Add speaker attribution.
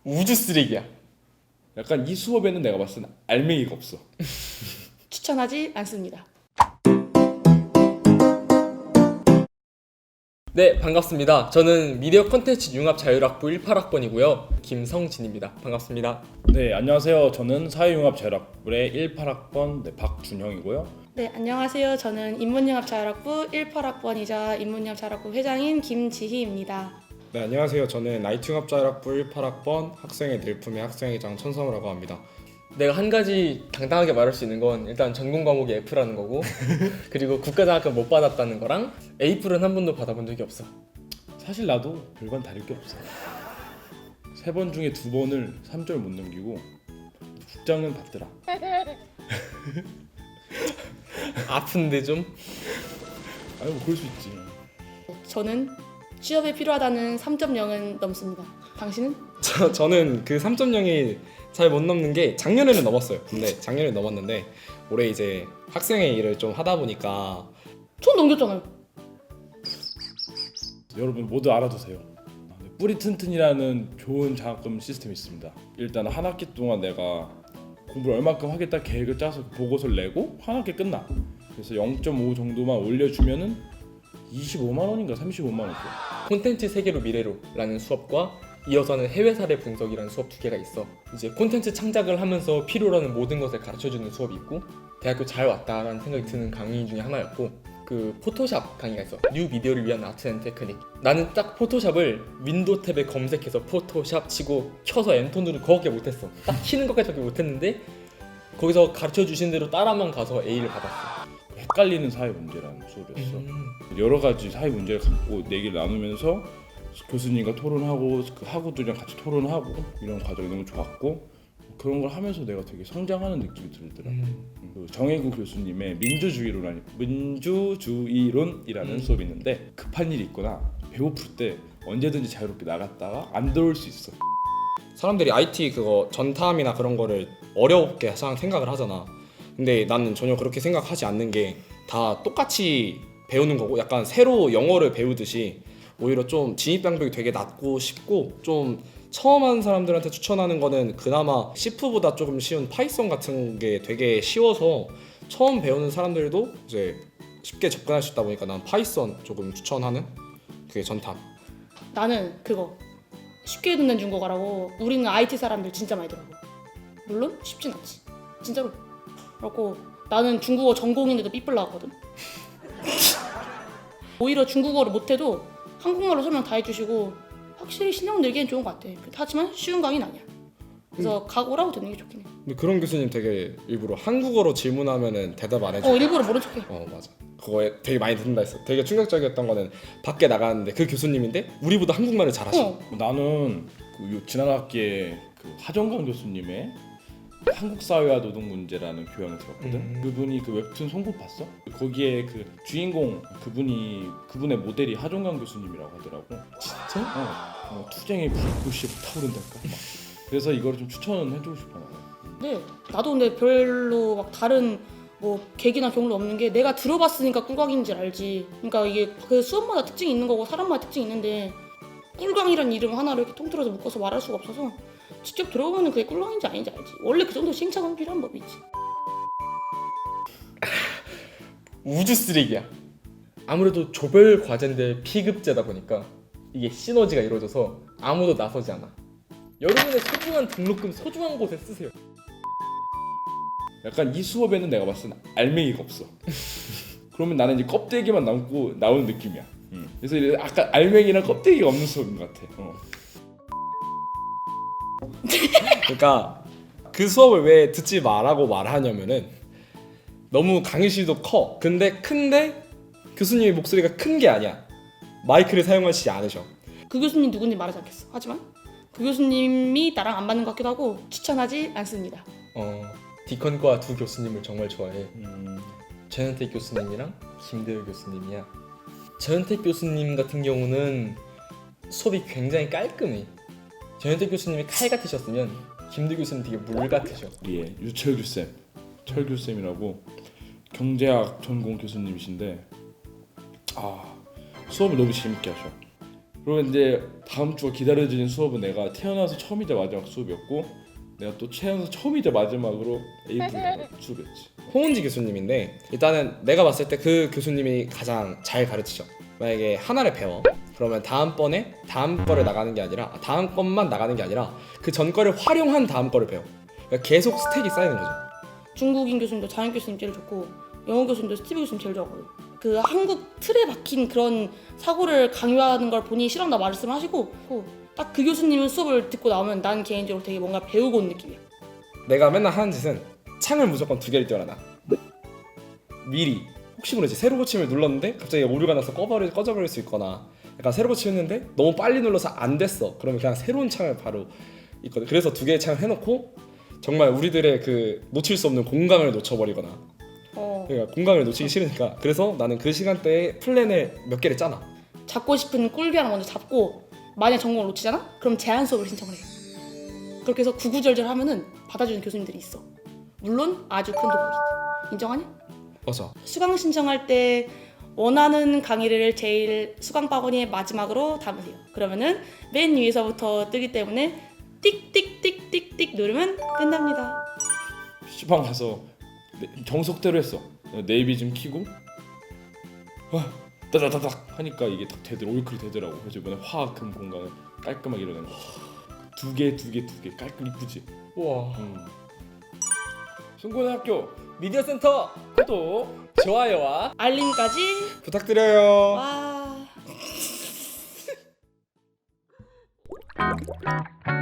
Speaker 1: 우주 쓰레기야.
Speaker 2: 약간 이 수업에는 내가 봤을 때 알맹이가 없어.
Speaker 3: 추천하지 않습니다.
Speaker 1: 네, 반갑습니다. 저는 미디어 콘텐츠 융합 자율학부 18학번이고요. 김성진입니다. 반갑습니다.
Speaker 2: 네, 안녕하세요. 저는 사회융합자율학부의 18학번 박준형이고요.
Speaker 3: 네, 안녕하세요. 저는 인문융합자율학부 18학번이자 인문융합자율학부 회장인 김지희입니다.
Speaker 4: 네, 안녕하세요. 저는 IT융합자율학부 18학번 학생의 늘품의 학생회장 천성우라고 합니다.
Speaker 1: 내가 한 가지 당당하게 말할 수 있는 건 일단 전공 과목이 F라는 거고 그리고 국가장학금 못 받았다는 거랑 A플은 한 번도 받아본 적이 없어.
Speaker 2: 사실 나도 별반 다를 게 없어. 3번 중에 2번을 3절 못 넘기고 국장은 받더라.
Speaker 1: 아픈데 좀?
Speaker 2: 아니 뭐 그럴 수 있지.
Speaker 3: 저는 취업에 필요하다는 3.0은 넘습니다. 당신은?
Speaker 4: 저는 그 3.0이 잘 못 넘는 게 작년에는 넘었어요. 근데 작년에 넘었는데 올해 이제 학생의 일을 좀 하다 보니까
Speaker 3: 전 넘겼잖아요.
Speaker 2: 여러분 모두 알아두세요. 뿌리 튼튼이라는 좋은 장학금 시스템이 있습니다. 일단 한 학기 동안 내가 공부를 얼마큼 하겠다 계획을 짜서 보고서를 내고 한 학기 끝나. 그래서 0.5 정도만 올려주면은 25만 원인가 35만 원 줘.
Speaker 1: 콘텐츠 세계로 미래로 라는 수업과 이어서는 해외 사례 분석이라는 수업 두 개가 있어. 이제 콘텐츠 창작을 하면서 필요로 하는 모든 것을 가르쳐주는 수업이 있고 대학교 잘 왔다라는 생각이 드는 강의 중에 하나였고 그 포토샵 강의가 있어. 뉴 미디어를 위한 아트 앤 테크닉. 나는 딱 포토샵을 윈도우 탭에 검색해서 포토샵 치고 켜서 엔터 누르고 그거밖에 못했어. 딱 키는 것까지밖에 못했는데 거기서 가르쳐주신 대로 따라만 가서 A를 받았어.
Speaker 2: 헷갈리는 사회 문제라는 수업이었어. 여러 가지 사회 문제를 갖고 얘기를 나누면서 교수님과 토론하고 그 학우들이랑 같이 토론하고 이런 과정이 너무 좋았고 그런 걸 하면서 내가 되게 성장하는 느낌이 들더라. 그 정혜구 교수님의 민주주의론이라는 수업이 있는데 급한 일이 있거나 배고플 때 언제든지 자유롭게 나갔다가 안 들어올 수 있어.
Speaker 4: 사람들이 IT 그거 전탐이나 그런 거를 어렵게 항상 생각을 하잖아. 근데 나는 전혀 그렇게 생각하지 않는 게 다 똑같이 배우는 거고 약간 새로 영어를 배우듯이 오히려 좀 진입 장벽이 되게 낮고 쉽고 좀 처음 하는 사람들한테 추천하는 거는 그나마 C보다 조금 쉬운 파이썬 같은 게 되게 쉬워서 처음 배우는 사람들도 이제 쉽게 접근할 수 있다 보니까 난 파이썬 조금 추천하는 그게 전탐.
Speaker 3: 나는 그거 쉽게 듣는 중국어라고. 우리는 IT 사람들 진짜 많이 들어. 물론 쉽진 않지. 진짜로. 그렇고 나는 중국어 전공인데도 삐뿔 나왔거든. 오히려 중국어를 못해도 한국말로 설명 다 해주시고 확실히 실력 늘기엔 좋은 것 같아. 하지만 쉬운 강의는 아니야. 그래서 각오라고 듣는 게 좋긴 해.
Speaker 4: 근데 그런 교수님 되게 일부러 한국어로 질문하면은 대답 안 해줘.
Speaker 3: 일부러 모른 척해.
Speaker 4: 맞아. 그거에 되게 많이 듣는다 했어. 되게 충격적이었던 거는 밖에 나가는데 그 교수님인데 우리보다 한국말을 잘하셔.
Speaker 2: 나는 그 지난 학기에 그 하정강 교수님의 한국 사회와 노동 문제라는 교양을 들었거든. 그분이 그 웹툰 송곳 봤어? 거기에 그 주인공 그분의 모델이 하정강 교수님이라고 하더라고.
Speaker 1: 진짜?
Speaker 2: 투쟁의 불꽃이 타오른달까. 그래서 이거를 좀 추천해주고 싶어.
Speaker 3: 네, 나도 근데 별로 막 다른 뭐 계기나 경로 없는 게 내가 들어봤으니까 꿀광인 줄 알지. 그러니까 이게 그 수업마다 특징이 있는 거고 사람마다 특징이 있는데 꿀광이란 이름 하나를 이렇게 통틀어서 묶어서 말할 수가 없어서 직접 들어보면 그게 꿀광인지 아닌지 알지. 원래 그 정도 시행착오는 필요한 법이지.
Speaker 1: 우주 쓰레기야. 아무래도 조별 과제인데 P급제다 보니까 이게 시너지가 이루어져서 아무도 나서지 않아. 여러분의 소중한 등록금 소중한 곳에 쓰세요.
Speaker 2: 약간 이 수업에는 내가 봤을 때 알맹이가 없어. 그러면 나는 이제 껍데기만 남고 나오는 느낌이야. 그래서 이제 아까 알맹이랑 껍데기가 없는 수업인 것 같아.
Speaker 4: 그러니까 그 수업을 왜 듣지 말라고 말하냐면은 너무 강의실도 커. 근데 큰데 교수님의 목소리가 큰 게 아니야. 마이크를 사용하시지 않으셔.
Speaker 3: 그 교수님 누군지 말하지 않겠어. 하지만 그 교수님이 나랑 안 맞는 것 같기도 하고 추천하지 않습니다.
Speaker 1: 디컨과 두 교수님을 정말 좋아해. 전현택 교수님이랑 김대우 교수님이야. 전현택 교수님 같은 경우는 수업이 굉장히 깔끔해. 전현택 교수님이 칼 같으셨으면 김대우 교수님 되게 물 같으셔.
Speaker 2: 예, 유철규 쌤, 철규 쌤이라고 경제학 전공 교수님이신데 수업을 너무 재밌게 하셔. 그러면 이제 다음 주가 기다려지는 수업은 내가 태어나서 처음이자 마지막 수업이었고 내가 또 태어나서 처음이자 마지막으로 A분을 수업이었지.
Speaker 4: 홍은지 교수님인데 일단은 내가 봤을 때 그 교수님이 가장 잘 가르치죠. 만약에 하나를 배워 그러면 다음번에 다음 거를 나가는 게 아니라 다음 것만 나가는 게 아니라 그 전 거를 활용한 다음 거를 배워. 그러니까 계속 스택이 쌓이는 거죠.
Speaker 3: 중국인 교수님도 장현 교수님 제일 좋고 영어 교수님도 스티브 교수님 제일 좋아하거든. 그 한국 틀에 박힌 그런 사고를 강요하는 걸 본인이 싫어한다 말씀을 하시고 딱 그 교수님은 수업을 듣고 나오면 난 개인적으로 되게 뭔가 배우고 온 느낌이야.
Speaker 4: 내가 맨날 하는 짓은 창을 무조건 2개를 띄워놔. 미리 혹시 모르지 새로 고침을 눌렀는데 갑자기 오류가 나서 꺼져버릴 수 있거나 약간 새로 고침했는데 너무 빨리 눌러서 안 됐어. 그러면 그냥 새로운 창을 바로 있거든. 그래서 2개의 창을 해놓고 정말 우리들의 그 놓칠 수 없는 공강을 놓쳐버리거나 그러니까 공강을 놓치기 싫으니까 그래서 나는 그 시간대에 플랜을 몇 개를 짜놔.
Speaker 3: 잡고 싶은 꿀교양 먼저 잡고 만약 전공을 놓치잖아? 그럼 제한 수업을 신청을 해. 그렇게 해서 구구절절 하면은 받아주는 교수님들이 있어. 물론 아주 큰 도움이지. 인정하냐?
Speaker 4: 맞아.
Speaker 3: 수강 신청할 때 원하는 강의를 제일 수강 바구니의 마지막으로 담으세요. 그러면은 맨 위에서부터 뜨기 때문에 띡띡띡띡띡 누르면 끝납니다.
Speaker 2: 시방 가서 정석대로 했어. 네이비 좀 키고 따다다닥 하니까 이게 딱 되더라. 올클이 되더라고. 그래서 이번에 화학 금 공강을 깔끔하게 이뤄낸 거지. 두 개 깔끔 이쁘지.
Speaker 1: 우와.
Speaker 2: 승고등학교
Speaker 1: 미디어 센터
Speaker 2: 구독
Speaker 1: 좋아요와
Speaker 3: 알림까지
Speaker 4: 부탁드려요.
Speaker 3: 와.